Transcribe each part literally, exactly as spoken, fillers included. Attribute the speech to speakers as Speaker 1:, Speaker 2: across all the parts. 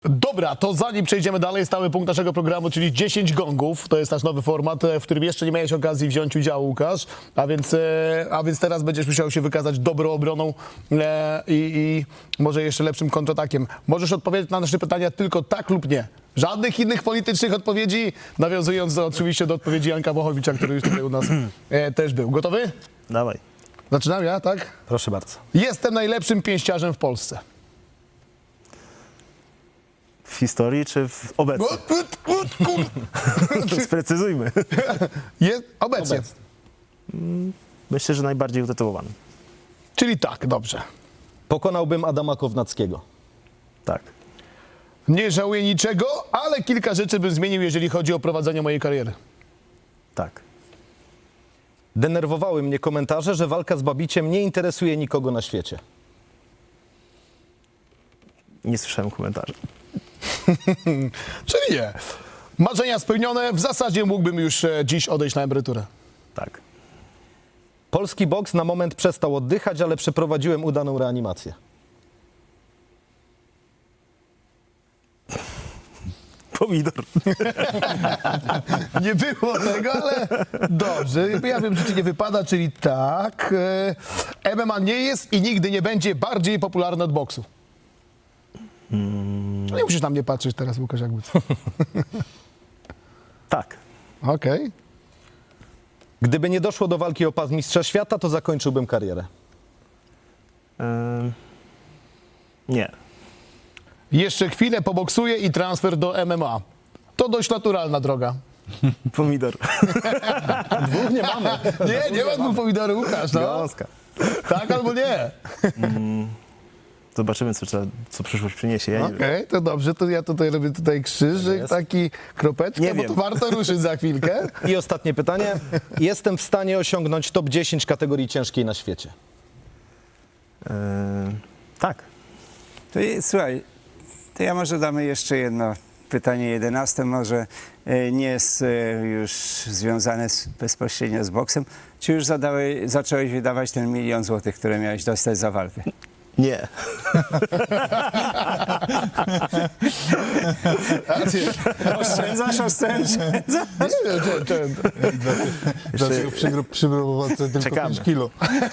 Speaker 1: Dobra, to zanim przejdziemy dalej, stały punkt naszego programu, czyli dziesięć gongów. To jest nasz nowy format, w którym jeszcze nie miałeś okazji wziąć udziału, Łukasz. A więc, e, a więc teraz będziesz musiał się wykazać dobrą obroną e, i, i może jeszcze lepszym kontratakiem. Możesz odpowiedzieć na nasze pytania tylko tak lub nie. Żadnych innych politycznych odpowiedzi, nawiązując do, oczywiście do odpowiedzi Janka Bochowicza, który już tutaj u nas e, też był. Gotowy?
Speaker 2: Dawaj,
Speaker 1: Zaczynam ja, tak?
Speaker 2: proszę bardzo.
Speaker 1: Jestem najlepszym pięściarzem w Polsce.
Speaker 2: W historii czy w obecnie? Sprecyzujmy.
Speaker 1: Jest obecnie.
Speaker 2: Obecnie. Myślę, że najbardziej utytułowany.
Speaker 1: Czyli tak, dobrze.
Speaker 3: Pokonałbym Adama Kownackiego.
Speaker 2: Tak.
Speaker 1: Nie żałuję niczego, ale kilka rzeczy bym zmienił, jeżeli chodzi o prowadzenie mojej kariery.
Speaker 2: Tak.
Speaker 3: Denerwowały mnie komentarze, że walka z Babiciem nie interesuje nikogo na świecie.
Speaker 2: Nie słyszałem komentarzy.
Speaker 1: Czyli nie. Marzenia spełnione, w zasadzie mógłbym już e, dziś odejść na emeryturę.
Speaker 2: Tak.
Speaker 3: Polski boks na moment przestał oddychać, ale przeprowadziłem udaną reanimację.
Speaker 2: Pomidor.
Speaker 1: Nie było tego, ale dobrze. Ja wiem, że ci nie wypada, czyli tak. E, M M A nie jest i nigdy nie będzie bardziej popularny od boksu. No nie musisz na mnie patrzeć teraz, Łukasz, jakby co.
Speaker 2: Tak.
Speaker 1: Okej.
Speaker 3: Gdyby nie doszło do walki o pas mistrza świata, to zakończyłbym karierę.
Speaker 2: Ym... Nie.
Speaker 1: Jeszcze chwilę poboksuję i transfer do M M A. To dość naturalna droga.
Speaker 2: Pomidor.
Speaker 3: Dwóch nie mamy.
Speaker 1: Nie, nie ma dwóch pomidorów, Łukasz, no.
Speaker 2: Gąska.
Speaker 1: Tak albo nie.
Speaker 2: Zobaczymy, co, trzeba, co przyszłość przyniesie. Ja nie
Speaker 1: Okej,
Speaker 2: wiem.
Speaker 1: to dobrze, to ja tutaj robię tutaj krzyżyk,
Speaker 2: jest.
Speaker 1: taki kropeczkę,
Speaker 2: Nie
Speaker 1: bo
Speaker 2: wiem.
Speaker 1: to warto ruszyć za chwilkę.
Speaker 3: I ostatnie pytanie. Jestem w stanie osiągnąć top dziesięć kategorii ciężkiej na świecie.
Speaker 2: Ym... Tak.
Speaker 4: To je, słuchaj, to ja może damy jeszcze jedno pytanie, jedenaste, może e, nie jest e, już związane z, bezpośrednio z boksem. Czy już zadałeś, zacząłeś wydawać ten milion złotych, które miałeś dostać za walkę?
Speaker 2: Nie.
Speaker 4: Oszczędzasz, oszczędzasz.
Speaker 1: Nie wiem, czy, czy,
Speaker 5: Dlaczego przygro- przybrał tylko
Speaker 2: Czekamy.
Speaker 5: pięć kilo?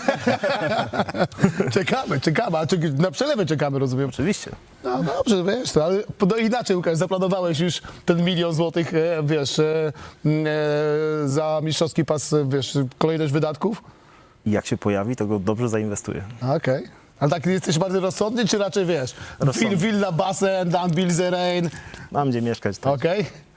Speaker 1: czekamy, czekamy, a czy, na przelewę czekamy, rozumiem.
Speaker 2: Oczywiście.
Speaker 1: No dobrze, wiesz, to, ale no inaczej, Łukasz, zaplanowałeś już ten milion złotych, e, wiesz, e, e, za mistrzowski pas, e, wiesz, kolejność wydatków?
Speaker 2: I jak się pojawi, to go dobrze zainwestuję.
Speaker 1: Okej. Ale tak jesteś bardziej rozsądny, czy raczej, wiesz,
Speaker 2: Rozsądny.
Speaker 1: Will, Villa, basen, Dan Bilzerain,
Speaker 2: Mam gdzie mieszkać. Tak.
Speaker 1: okej?